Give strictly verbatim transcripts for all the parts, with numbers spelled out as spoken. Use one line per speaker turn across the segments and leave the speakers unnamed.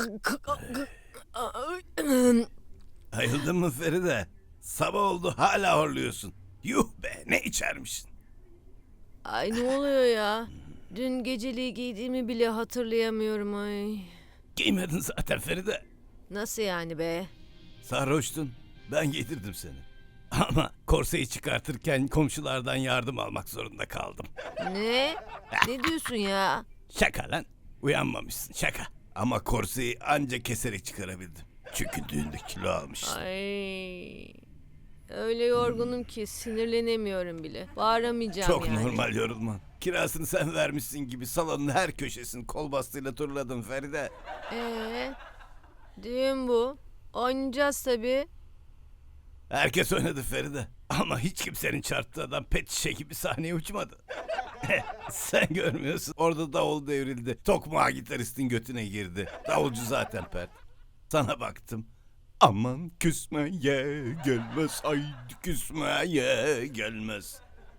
Ayıldın mı Feride? Sabah oldu hala horluyorsun. Yuh be, ne içermişsin?
Ay ne oluyor ya? Dün geceliği giydiğimi bile hatırlayamıyorum ay.
Giymedin zaten Feride.
Nasıl yani be?
Sarhoştun. Ben giydirdim seni. Ama korseyi çıkartırken komşulardan yardım almak zorunda kaldım.
Ne? Ne diyorsun ya?
Şaka lan. Uyanmamışsın, şaka. Ama korseyi anca keserek çıkarabildim. Çünkü düğünde kilo almışsın.
Ay. Öyle yorgunum ki sinirlenemiyorum bile. Bağıramayacağım
Çok
yani.
normal yorulman. Kirasını sen vermişsin gibi salonun her köşesini kol bastığıyla turladın Feride.
Ee, düğün bu. Oynayacağız tabii.
Herkes oynadı Feride. Ama hiç kimsenin çarptığı adam pet şişe gibi sahneye uçmadı. Sen görmüyorsun. Orada davul devrildi. Tokmağı gitaristin götüne girdi. Davulcu zaten pert. Sana baktım. Aman küsmeye gelmez. Haydi küsmeye gelmez.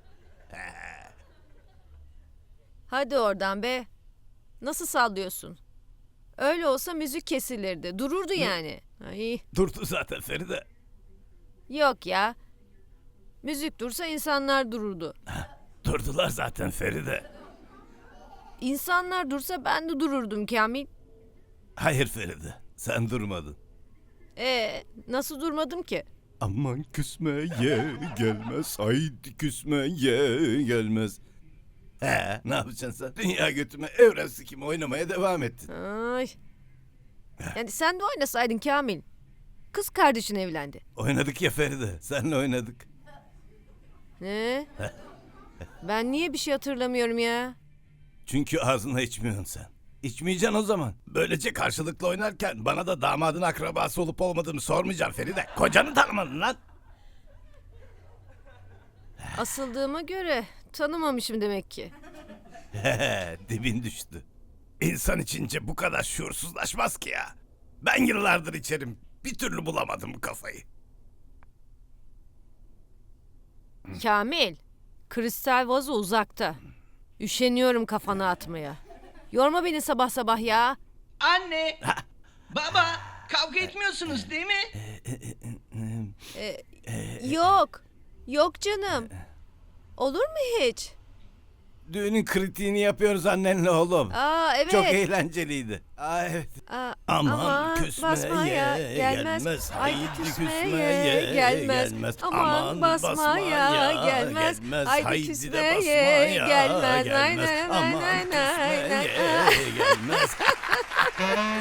Hadi oradan be. Nasıl sallıyorsun? Öyle olsa müzik kesilirdi. Dururdu yani. Ay.
Durdu zaten Feride.
Yok ya. Müzik dursa insanlar dururdu.
Durdular zaten Feride.
İnsanlar dursa ben de dururdum Kamil.
Hayır Feride. Sen durmadın.
Ee, nasıl durmadım ki?
Aman küsmeye gelmez. Haydi küsmeye gelmez. He, ne yapacaksın sen? Dünya götüme evren sikimi oynamaya devam ettin.
Ay. Yani sen de oynasaydın Kamil. Kız kardeşin evlendi.
Oynadık ya Feride. Seninle oynadık.
Ne? Ben niye bir şey hatırlamıyorum ya?
Çünkü ağzına içmiyorsun sen. İçmeyeceksin o zaman. Böylece karşılıklı oynarken bana da damadın akrabası olup olmadığımı sormayacaksın Feride. Kocanı tanımadın lan.
Asıldığıma göre tanımamışım demek ki.
He, dibin düştü. İnsan içince bu kadar şuursuzlaşmaz ki ya. Ben yıllardır içerim. Bir türlü bulamadım bu kafayı.
Kamil, kristal vazo uzakta. Üşeniyorum kafana atmaya. Yorma beni sabah sabah ya.
Anne, baba, kavga etmiyorsunuz değil mi?
Yok, yok canım. Olur mu hiç?
Düğünün kritiğini yapıyoruz annenle oğlum.
Aa evet.
Çok eğlenceliydi. Aa, evet.
Aa,
Aman küsmeye
basmaya
gelmez. Haydi küsmeye
gelmez.
gelmez.
Aman basmaya gelmez. Haydi
Haydi de
küsmeye
basmaya
gelmez. Nay,
gelmez.
nay, nay,
Aman
nay, nay, nay.
küsmeye gelmez.